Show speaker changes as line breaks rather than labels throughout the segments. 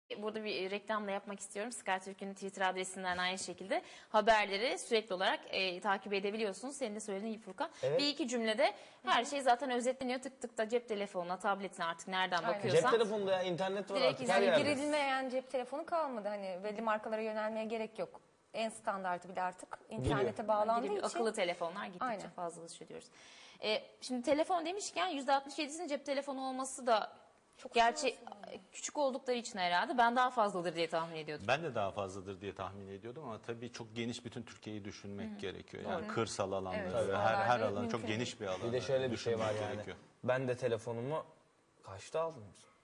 Burada bir reklamla yapmak istiyorum. Sky Türk'ün Twitter adresinden aynı şekilde haberleri sürekli olarak takip edebiliyorsunuz. Senin de söylediğin gibi Furkan.
Evet.
Bir iki cümlede her şey zaten özetleniyor. Tık tık da cep telefonuna, tabletine artık nereden
Aynen.
bakıyorsan.
Cep telefonunda ya internet var
Direkt
artık her
izleyip
yerde.
Girilmeyen cep telefonu kalmadı. Hani belli markalara yönelmeye gerek yok. En standartı bile artık internete
Gibi
bağlandığı
bir
için.
akıllı telefonlar gittikçe
Aynen.
fazlalaşıyor diyoruz. Şimdi telefon demişken %67'sinin cep telefonu olması da
Çok
gerçi küçük oldukları için herhalde ben daha fazladır diye tahmin ediyordum.
Ben de daha fazladır diye tahmin ediyordum ama tabii çok geniş bütün Türkiye'yi düşünmek gerekiyor. Yani kırsal alanları
Evet,
ve
oralarda
her alanı
mümkün
çok geniş bir alan.
Bir de şöyle bir şey var yani.
Gerekiyor.
Ben de telefonumu kaçta aldım?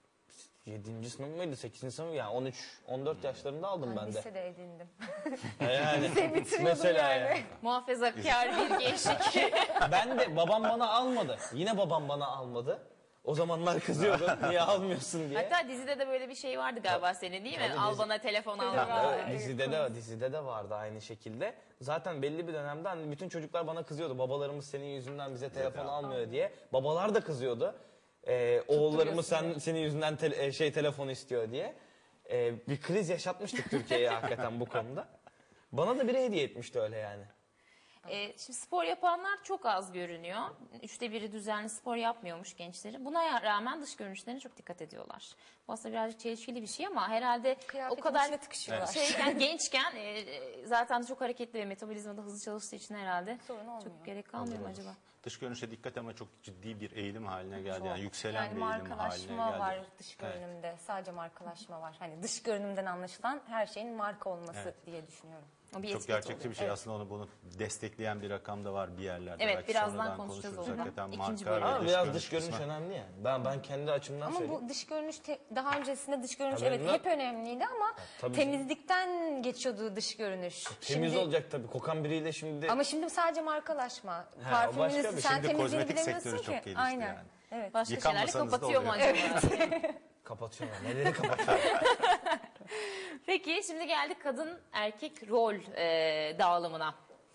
7. sınıf mıydı? 8. sınıf mı? Yani 14 yaşlarında aldım ben de.
Lisede edindim.
Yani
bitiriyordum
mesela
yani.
yani.
Muhafazakar bir gençlik.
Ben de babam bana almadı. Yine babam bana almadı. O zamanlar kızıyordum. Niye almıyorsun diye.
Hatta dizide de böyle bir şey vardı galiba senin değil mi?
Tabii
Al
dizi-
bana telefon al.
Evet, dizide de vardı aynı şekilde. Zaten belli bir dönemde hani bütün çocuklar bana kızıyordu. Babalarımız senin yüzünden bize telefon almıyor diye. Babalar da kızıyordu. Oğullarımız senin yüzünden telefon istiyor diye. Bir kriz yaşatmıştık Türkiye'ye hakikaten bu konuda. Bana da biri hediye etmişti öyle yani.
Şimdi spor yapanlar çok az görünüyor. 1/3 düzenli spor yapmıyormuş gençlerin. Buna rağmen dış görünüşlerine çok dikkat ediyorlar. Bu aslında birazcık çelişkili bir şey ama herhalde
Kıyafetin
o kadar
içine tıkışıyorlar.
gençken zaten çok hareketli ve metabolizmada hızlı çalıştığı için herhalde
Sorun olmuyor.
çok gerek kalmıyor mu acaba?
Dış görünüşe dikkat ama çok ciddi bir eğilim haline geldi. Yani yükselen
Yani
bir eğilim haline
markalaşma
geldi.
var dış görünümde. Sadece markalaşma var. Hani dış görünümden anlaşılan her şeyin marka olması diye düşünüyorum.
O bir
Çok
etiket
gerçekçi
oluyor.
bir şey
Evet.
aslında bunu destekleyen bir rakam da var bir yerlerde.
Evet,
Belki
birazdan
sonradan
konuşacağız
konuşuruz.
onu.
Hakikaten
İkinci
marka
bölüm.
ve
Ama biraz dış görünüş
kısmı.
önemli yani. Ben kendi açımdan
Ama
söyleyeyim.
bu dış görünüş daha öncesinde dış görünüş
Tabii
evet
ben-
hep önemliydi ama
tabii
temizlikten geçiyordu dış görünüş.
Temiz
Şimdi-
olacak tabii. Kokan biriyle şimdi...
Ama şimdi sadece markalaşma.
o başka
Parfümünü
bir
sen
şey.
Şimdi
temizliğini
kozmetik
bilemiyorsun
sektörü
ki.
çok gelişti
Aynen.
yani.
Evet.
Başka şeylerle
Yıkanmasanız da
kapatıyor mu
oluyor.
acaba?
Kapatıyorlar. Neleri kapatıyorlar?
Peki şimdi geldik kadın erkek rol dağılımına.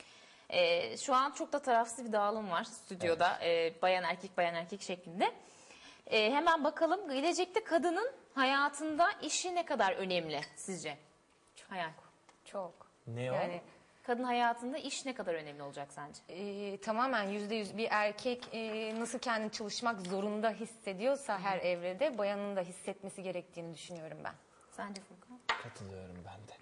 Şu an çok da tarafsız bir dağılım var stüdyoda. Bayan erkek şeklinde. Hemen bakalım gelecekte kadının hayatında işi ne kadar önemli sizce? Hayal.
Çok.
Ne o?
Yani
Kadın hayatında iş ne kadar önemli olacak sence?
tamamen %100 bir erkek nasıl kendini çalışmak zorunda hissediyorsa her evrede bayanın da hissetmesi gerektiğini düşünüyorum ben.
Sence Furkan?
Katılıyorum ben de.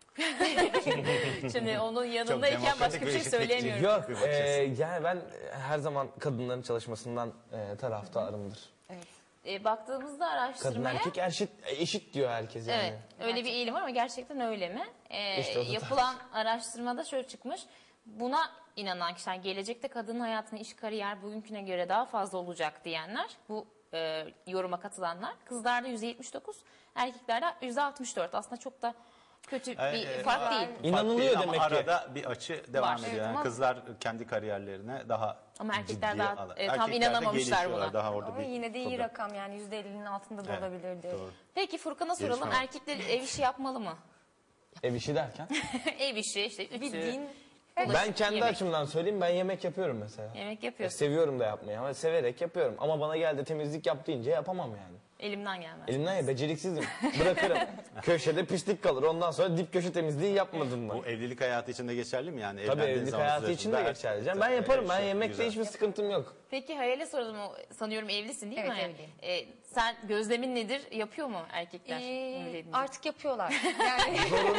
Şimdi onun yanındayken başka bir şey söyleyemiyorum.
Yok, yani ben her zaman kadınların çalışmasından taraftarımdır.
Baktığımızda
Kadın
araştırmaya...
erkek eşit diyor herkes yani.
Evet, öyle bir eğilim var ama gerçekten öyle mi?
İşte o da
Yapılan araştırmada şöyle çıkmış. Buna inanan kişiler, gelecekte kadının hayatında iş kariyer bugünküne göre daha fazla olacak diyenler, bu yoruma katılanlar, kızlarda %79, erkeklerde %64. Aslında çok da kötü bir fark değil.
İnanılıyor
Ama
demek ki.
arada bir açı devam
Var.
ediyor.
Evet,
Yani
ama-
kızlar kendi kariyerlerine daha
Ama erkekler
ciddiye
daha,
alır.
tam
Erkekler de
inanamamışlar
gelişiyorlar,
buna.
Daha orada
Ama
bir
yine de iyi
problem.
rakam yani %50'nin altında da
Evet,
olabilirdi.
doğru.
Peki Furkan'a soralım,
Gelişme var.
erkekler ev işi yapmalı mı?
Ev işi derken.
Ev işi, işte ütü,
Bildiğin
Ben kendi
yemek.
açımdan söyleyeyim, ben yemek yapıyorum mesela.
Yemek yapıyorsun.
Seviyorum da yapmayı ama severek yapıyorum. Ama bana geldi temizlik yap deyince yapamam yani.
Elimden gelmez.
Elimden ya, beceriksizim. Bırakırım. Köşede pislik kalır. Ondan sonra dip köşe temizliği yapmadın mı?
Bu evlilik hayatı için de geçerli mi yani?
Tabii
Evlendiğin
evlilik
zaman
hayatı için de
süreçte
geçerli. canım. Ben yaparım. Ben
Şey,
yemekte
güzel.
hiçbir sıkıntım yok.
Peki Hayal'e soralım, o sanıyorum evlisin değil
Evet,
mi?
evliyim.
Sen gözlemin nedir? Yapıyor mu erkekler? Öyle deyince.
artık yapıyorlar. Yani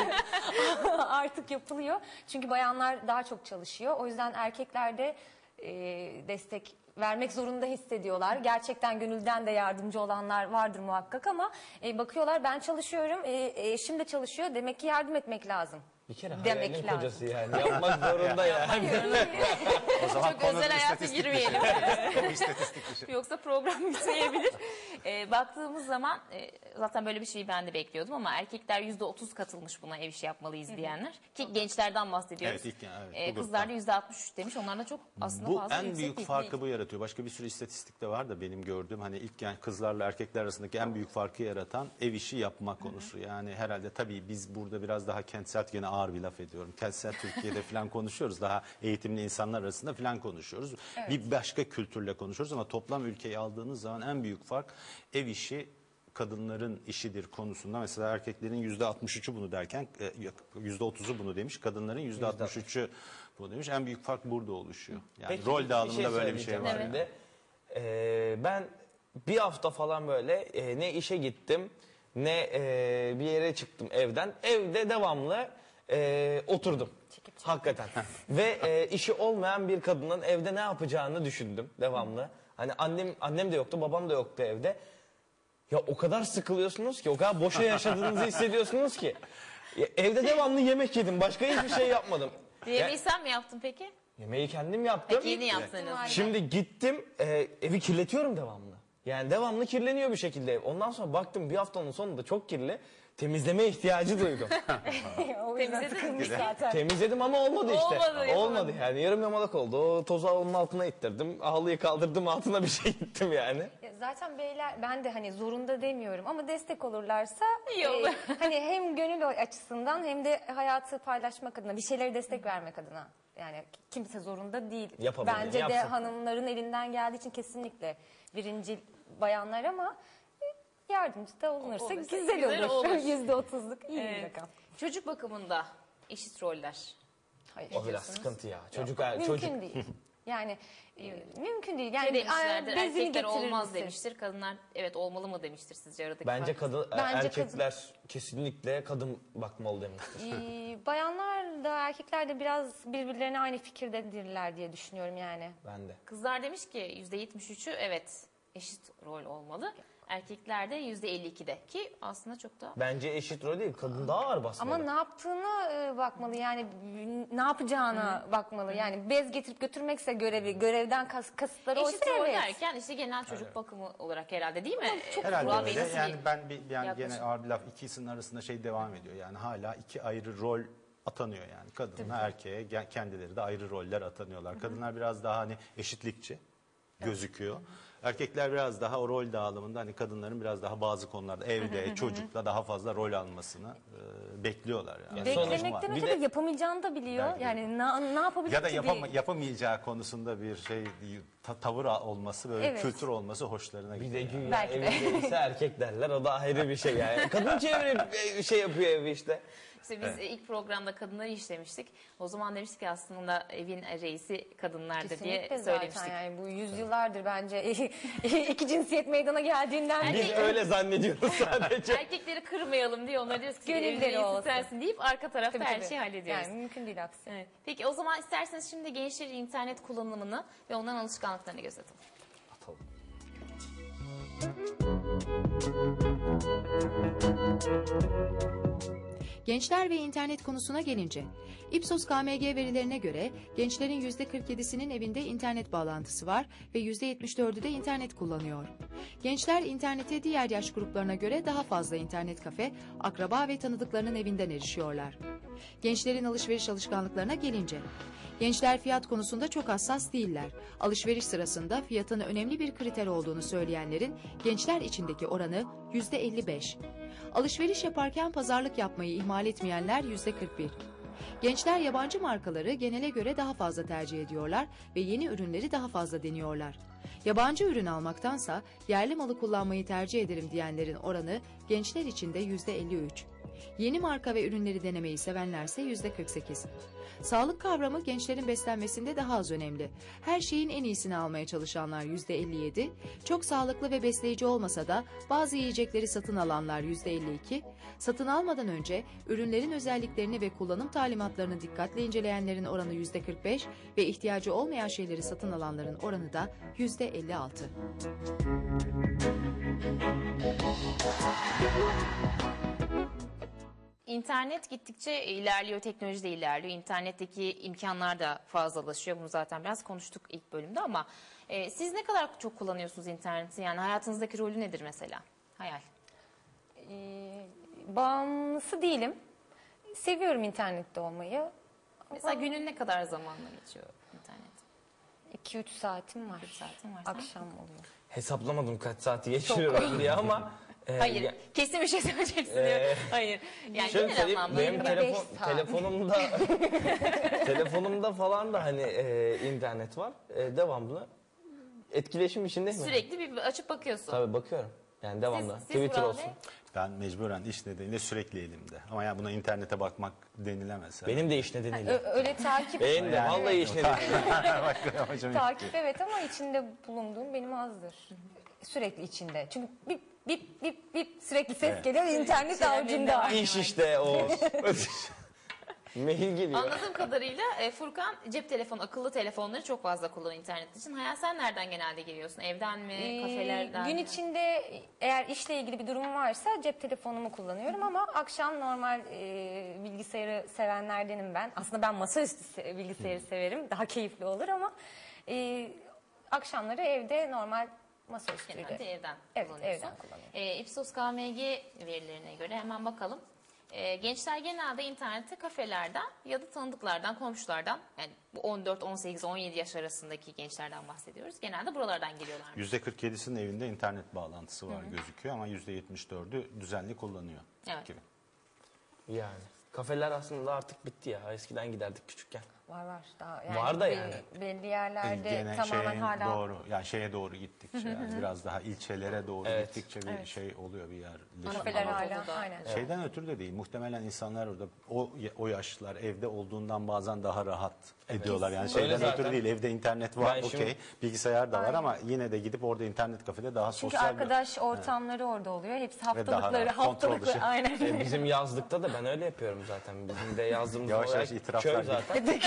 artık yapılıyor. Çünkü bayanlar daha çok çalışıyor. O yüzden erkekler de destek vermek zorunda hissediyorlar. Gerçekten gönülden de yardımcı olanlar vardır muhakkak ama bakıyorlar ben çalışıyorum, eşim de çalışıyor. Demek ki yardım etmek lazım.
Bir kere
Demek
hayalin
lazım.
kocası yani. Yapmak zorunda yani.
O zaman
Çok özel
konu
hayata
istatistik
girmeyelim.
İstatistik dışı.
Yoksa program biteyebilir. Baktığımız zaman zaten böyle bir şeyi ben de bekliyordum ama erkekler %30 katılmış buna, ev işi yapmalıyız diyenler. Ki gençlerden bahsediyoruz.
Evet, ilk yani, evet, bu
Kızlar da %63 demiş. Onlar da çok aslında
Bu
fazla
en
yüksek
büyük
değil.
farkı bu yaratıyor. Başka bir sürü istatistik de var da benim gördüğüm, hani ilk yani kızlarla erkekler arasındaki en büyük farkı yaratan ev işi yapma konusu. Yani herhalde tabii biz burada biraz daha kentsel, gene ağır bir laf ediyorum. Kentsel Türkiye'de falan konuşuyoruz. Daha eğitimli insanlar arasında falan konuşuyoruz. Bir başka kültürle konuşuyoruz ama toplam ülkeyi aldığınız zaman en büyük fark ev işi kadınların işidir konusunda mesela erkeklerin %63'ü bunu derken %30'u bunu demiş, kadınların %63'ü bunu demiş. En büyük fark burada oluşuyor. Yani
Peki,
rol dağılımında böyle bir şey
söyleyeceğim
var.
şimdi. Ben bir hafta falan böyle ne işe gittim ne bir yere çıktım evden. Evde devamlı oturdum. Hakikaten. Ve işi olmayan bir kadının evde ne yapacağını düşündüm devamlı. Hani annem de yoktu, babam da yoktu evde. Ya o kadar sıkılıyorsunuz ki, o kadar boşa yaşadığınızı hissediyorsunuz ki. Ya, evde devamlı yemek yedim, başka hiçbir şey yapmadım.
Yemeği sen mi yaptın peki?
Yemeği kendim yaptım.
Peki yeni yaptın en azından.
Şimdi gittim evi kirletiyorum devamlı. Yani devamlı kirleniyor bir şekilde ev. Ondan sonra baktım bir haftanın sonunda çok kirli. Temizleme ihtiyacı duydum.
O yüzden
Temizledin
sıkılmış
mi?
zaten.
Temizledim ama olmadı işte.
Olmadı,
Olmadı yani, yarım yamalak oldu. O tozu onun altına ittirdim. Halıyı kaldırdım, altına bir şey ittim yani.
Ya zaten beyler, ben de hani zorunda demiyorum ama destek olurlarsa
İyi olur.
hani hem gönül açısından hem de hayatı paylaşmak adına, bir şeylere destek vermek adına. Yani kimse zorunda değil.
Yapabilen
Bence de
yapsın.
hanımların elinden geldiği için kesinlikle birincil bayanlar ama yardımcı da olunursa
Olursa
güzel
güzel
olur.
olur.
%30'luk iyi bir
Evet.
rakam.
Çocuk bakımında eşit roller.
Hayır.
O biraz sıkıntı ya. Çocuk
Mümkün değil. Yani mümkün değil. Yani
Ne demişlerdir?
bezini
Erkekler
getirir
olmaz
misin?
demiştir. Kadınlar evet olmalı mı demiştir sizce aradaki
Bence
fark?
Bence
erkekler kesinlikle kadın bakmalı demiştir.
Bayanlar da erkekler de biraz birbirlerine aynı fikirdedirler diye düşünüyorum yani.
Ben de.
Kızlar demiş ki %73'ü evet eşit rol olmalı. Erkekler de %52'de ki aslında çok da
Bence eşit rol değil, kadın daha ağır basmalı.
Ama ne yaptığına bakmalı yani, ne yapacağına bakmalı. Yani bez getirip götürmekse görevden kasıtları oysa
eşit rol
evet.
derken işte genel çocuk bakımı olarak herhalde değil mi?
Herhalde
Burak Bey
öyle.
nasıl
Yani
bir-
ben gene
yaklaşım?
ağır bir laf, ikisinin arasında şey devam ediyor. Yani hala iki ayrı rol atanıyor yani. Kadına erkeğe kendileri de ayrı roller atanıyorlar. Kadınlar biraz daha hani eşitlikçi gözüküyor. Erkekler biraz daha o rol dağılımında hani kadınların biraz daha bazı konularda evde çocukla daha fazla rol almasını bekliyorlar yani.
Beklemekten
Bir
öte
de-
de yapamayacağını da biliyor.
Belki de.
Yani ne yapabilir
Ya da
ki diye.
yapamayacağı konusunda bir şey tavır olması, böyle
Evet.
kültür olması hoşlarına
Bir
gidiyor.
de güya
Belki de.
evinde ise erkek derler, o da ayrı bir şey yani. Kadın çevirip şey yapıyor evi işte.
İşte biz ilk programda kadınları işlemiştik. O zaman demiştik ki aslında evin reisi kadınlardır
Kesinlikle
diye
zaten
söylemiştik.
yani bu yüzyıllardır bence iki cinsiyet meydana geldiğinden
Biz
beri.
öyle zannediyoruz sadece.
Erkekleri kırmayalım diye onlara diyoruz ki evin
Gönülleri
reisi
olsun.
sensin deyip arka tarafta
Tabii,
her
tabii.
şeyi hallediyoruz.
Yani mümkün değil aksi.
Evet. Peki o zaman isterseniz şimdi gençlerin internet kullanımını ve onların alışkanlıklarını gözetelim.
Atalım.
Gençler ve internet konusuna gelince, Ipsos KMG verilerine göre gençlerin %47'sinin evinde internet bağlantısı var ve %74'ü de internet kullanıyor. Gençler internete diğer yaş gruplarına göre daha fazla internet kafe, akraba ve tanıdıklarının evinden erişiyorlar. Gençlerin alışveriş alışkanlıklarına gelince, gençler fiyat konusunda çok hassas değiller. Alışveriş sırasında fiyatın önemli bir kriter olduğunu söyleyenlerin gençler içindeki oranı %55. Alışveriş yaparken pazarlık yapmayı ihmal etmeyenler %41. Gençler yabancı markaları genele göre daha fazla tercih ediyorlar ve yeni ürünleri daha fazla deniyorlar. Yabancı ürün almaktansa yerli malı kullanmayı tercih ederim diyenlerin oranı gençler içinde %53. Yeni marka ve ürünleri denemeyi sevenlerse %48. Sağlık kavramı gençlerin beslenmesinde daha az önemli. Her şeyin en iyisini almaya çalışanlar %57, çok sağlıklı ve besleyici olmasa da bazı yiyecekleri satın alanlar %52, satın almadan önce ürünlerin özelliklerini ve kullanım talimatlarını dikkatle inceleyenlerin oranı %45 ve ihtiyacı olmayan şeyleri satın alanların oranı da %56.
İnternet gittikçe ilerliyor, teknoloji de ilerliyor. İnternetteki imkanlar da fazlalaşıyor. Bunu zaten biraz konuştuk ilk bölümde ama siz ne kadar çok kullanıyorsunuz interneti? Yani hayatınızdaki rolü nedir mesela? Hayal.
Bağımlısı değilim. Seviyorum internette olmayı.
Mesela günün ne kadar zamanla geçiyor internet?
2-3 saatim var.
3 saatin var. Sen?
Akşam oluyor.
Hesaplamadım kaç saati geçiriyorum diye ama.
Hayır,
ya-
kesin bir şey söyleyeceksin diyor. Hayır. Yani
Şöyle
genel
söyleyeyim,
anlamda.
benim
25 saat.
telefonumda falan da hani internet var. Devamlı etkileşim içindeyim.
Sürekli bir açıp bakıyorsun.
Tabii bakıyorum. Yani devamlı.
Siz
Twitter
Vural
olsun.
Bey?
Ben mecburen iş nedeniyle sürekli elimde. Ama ya buna internete bakmak denilemez.
Benim de iş nedeniyle.
Öyle takip.
Benim de vallahi iş nedeniyle.
Takip evet ama içinde bulunduğum benim azdır. Sürekli içinde. Çünkü bip bip bip bip sürekli ses geliyor. İnternet
Şeyler
avucunda.
var.
İş işte o. Mail geliyor.
Anladığım kadarıyla Furkan cep telefonu, akıllı telefonları çok fazla kullanıyor internet için. Hayal, sen nereden genelde giriyorsun? Evden mi, kafelerden
Gün
mi?
içinde eğer işle ilgili bir durum varsa cep telefonumu kullanıyorum ama akşam normal bilgisayarı sevenlerdenim ben. Aslında ben masaüstü bilgisayarı severim. Daha keyifli olur ama akşamları evde normal masaüstüyle.
Genelde evden
Evet,
kullanıyorsun.
evden kullanıyorum.
Ipsos KMG verilerine göre hemen bakalım. Gençler genelde internette kafelerden ya da tanıdıklardan, komşulardan, yani bu 14, 18, 17 yaş arasındaki gençlerden bahsediyoruz. Genelde buralardan geliyorlar.
%47'sinin evinde internet bağlantısı var gözüküyor ama %74'ü düzenli kullanıyor.
Evet.
Gibi.
Yani. Kafeler aslında artık bitti ya. Eskiden giderdik küçükken.
Var daha yani
Var da yani.
belli yerlerde
Gene
tamamen
şeye
hala
doğru, yani şeye doğru gittikçe, yani biraz daha ilçelere doğru
Evet.
gittikçe bir şey oluyor, bir yerleşim.
kafeler hala
Anadolu'da.
aynen.
Şeyden ötürü de değil. Muhtemelen insanlar orada o yaşlılar evde olduğundan bazen daha rahat ediyorlar. Yani
Kesinlikle.
şeyden
Öyle
ötürü
zaten.
değil. Evde internet var,
Ben şimdi-
okey. Bilgisayar da var ama yine de gidip orada internet kafede daha
Çünkü
sosyal
arkadaş ortamları orada oluyor. Hepsi
daha
haftalıkları,
rahat, kontrol
haftalıkları
dışı.
aynen.
Bizim yazlıkta da ben öyle yapıyorum zaten. Bizim de yazdığımız
Yavaş
olarak
yavaş itiraflar
köy zaten.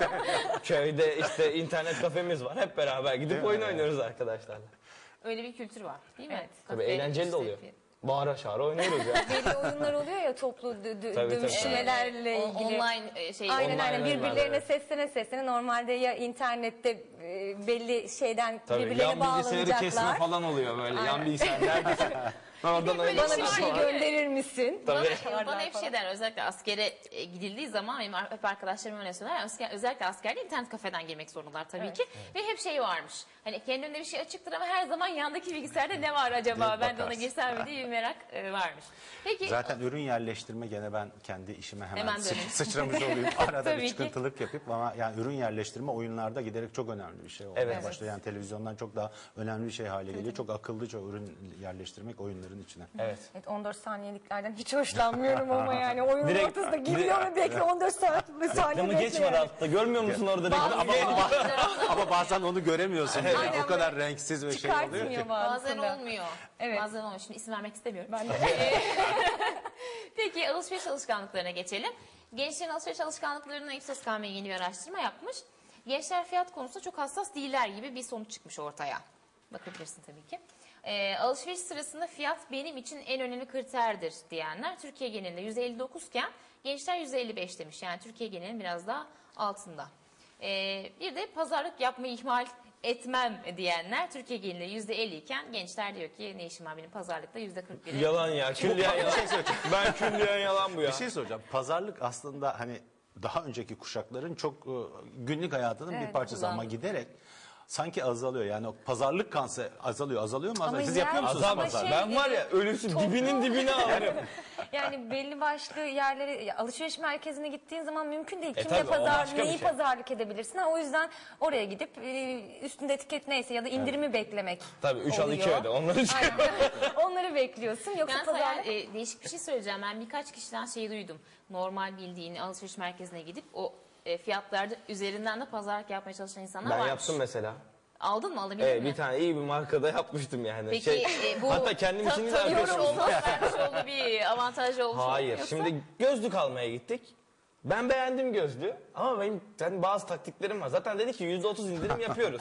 Köyde işte internet kafemiz var. Hep beraber gidip oyun oynuyoruz arkadaşlarla.
Öyle bir kültür var değil mi?
Evet.
Tabii
Kafe,
eğlenceli de
işte
oluyor. Bağıra çağıra oynuyoruz ya.
Belli oyunlar oluyor ya toplu
tabii.
dövüşmelerle ilgili.
Online şey.
Aynen
Online oyunlar,
birbirlerine
evet.
seslene normalde ya internette belli şeyden
Tabii
birbirlerine
yan bilgisayarı kesme
bağlanacaklar.
falan oluyor böyle. Yan bilgisayar neredesin? Oradan
böyle
Bana bir
Var
şey
ya.
gönderir misin?
Bana hep şey der, özellikle askere gidildiği zaman benim hep arkadaşlarım öyle söyler. Özellikle askerde internet kafeden girmek zorundalar tabii ki. Ve hep şey varmış. Hani kendi önünde bir şey açıktır ama her zaman yandaki bilgisayarda ne var acaba?
Diye
Ben de ona
bakarsın.
girsem mi diye bir merak varmış. Peki
Zaten ürün yerleştirme gene ben kendi işime hemen
Hemen döneyim.
sıçramış olayım. Arada
Tabii
bir
ki.
çıkıntılık yapıp ama yani ürün yerleştirme oyunlarda giderek çok önemli bir şey olmaya
Evet.
başlıyor. Yani televizyondan çok daha önemli bir şey hale geliyor. Çok akıllıca ürün yerleştirmek oyunların içine.
Evet.
Evet 14 saniyeliklerden hiç hoşlanmıyorum ama yani oyunun
Direkt-
ortasında giriyor ve bekle 14 saniye
Reklamı geç var altta. Görmüyor musun orada reklamı?
Ama bazen onu göremiyorsun. Yani.
Aynen
O kadar renksiz ve şey oluyor ki.
çıkartmıyor
bazen
bazısında.
olmuyor.
Evet.
Bazen olmuyor. Şimdi isim vermek istemiyorum.
Ben de.
Peki alışveriş alışkanlıklarına geçelim. Gençlerin alışveriş alışkanlıklarına Ipsos KM yeni bir araştırma yapmış. Gençler fiyat konusunda çok hassas değiller gibi bir sonuç çıkmış ortaya. Bakabilirsin tabii ki. Alışveriş sırasında fiyat benim için en önemli kriterdir diyenler Türkiye genelinde %59 iken gençler %55 demiş. Yani Türkiye genelinin biraz daha altında. Bir de pazarlık yapmayı ihmal etmem diyenler Türkiye genelinde %50 iken gençler diyor ki ne işim var benim pazarlıkta %41.
Yalan ya. Külliyen yalan. Ben külliyen yalan bu ya.
Bir şey soracağım. Pazarlık aslında hani daha önceki kuşakların çok günlük hayatının bir
Evet,
parçası ama
kullandım.
giderek sanki azalıyor. Yani o pazarlık kansı azalıyor mu?
Ama
Azalıyor? Siz yapıyor
yani-
musunuz
Azam.
pazarlık?
Ben var ya ölüsü dibinin dibine alırım.
Yani belli başlı yerlere alışveriş merkezine gittiğin zaman mümkün değil. Kimle
tabii, o başka bir
neyi
şey.
pazarlık edebilirsin? O yüzden oraya gidip üstünde etiket neyse ya da indirimi beklemek
Tabii 3 al 2
oluyor.
öde. Onları
Aynen. Onları bekliyorsun. Yoksa
Ben sana
pazarlık
değişik bir şey söyleyeceğim. Ben birkaç kişiden şey duydum. Normal bildiğin alışveriş merkezine gidip o fiyatlarda üzerinden de pazarlık yapmaya çalışan insanlar
Ben
varmış.
yaptım mesela.
Aldın mı, alabildin
Evet,
mi?
bir tane iyi bir markada yapmıştım yani.
Peki bu
hatta kendim için de
tanıyorum
arkadaşım.
olmuş, vermiş olduğu bir avantaj olmuş mu?
Hayır.
Yoksa-
Şimdi gözlük almaya gittik. Ben beğendim gözlüğü ama benim bazı taktiklerim var. Zaten dedi ki %30 indirim yapıyoruz.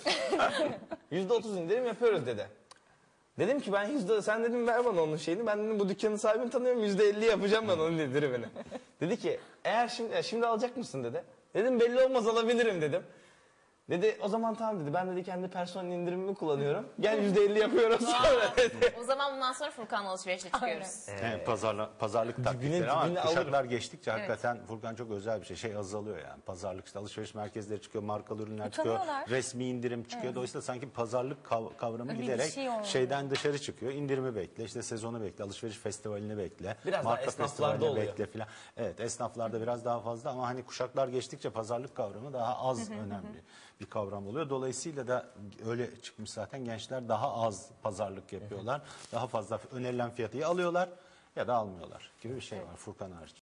%30 indirim yapıyoruz dedi. Dedim ki ben sen dedim ver bana onun şeyini. Ben dedim bu dükkanın sahibini tanıyorum %50 yapacağım ben onun indirimini. Dedi ki eğer şimdi alacak mısın dedi. Dedim belli olmaz alabilirim dedim. Dedi o zaman tamam dedi. Ben dedi kendi personel indirimimi kullanıyorum. Gel %50 yapıyoruz sonra dedi.
O zaman bundan sonra Furkan'la alışverişe çıkıyoruz.
Yani pazarlık taktikleri ama
dibine
kuşaklar
alırım.
geçtikçe hakikaten Furkan çok özel bir şey. Şey azalıyor yani. Pazarlık işte alışveriş merkezleri çıkıyor, markalı ürünler çıkıyor,
Utanıyorlar.
resmi indirim çıkıyor. Dolayısıyla sanki pazarlık kavramı
Bir
giderek
şey olmuyor.
şeyden dışarı çıkıyor. İndirimi bekle, işte sezonu bekle, alışveriş festivalini bekle,
Biraz daha
marka
esnaflarda
festivalini
oluyor.
bekle filan. Evet, esnaflarda biraz daha fazla ama hani kuşaklar geçtikçe pazarlık kavramı daha az önemli bir kavram oluyor. Dolayısıyla da öyle çıkmış zaten, gençler daha az pazarlık yapıyorlar. Daha fazla önerilen fiyatı alıyorlar ya da almıyorlar gibi bir şey var Furkan hariç.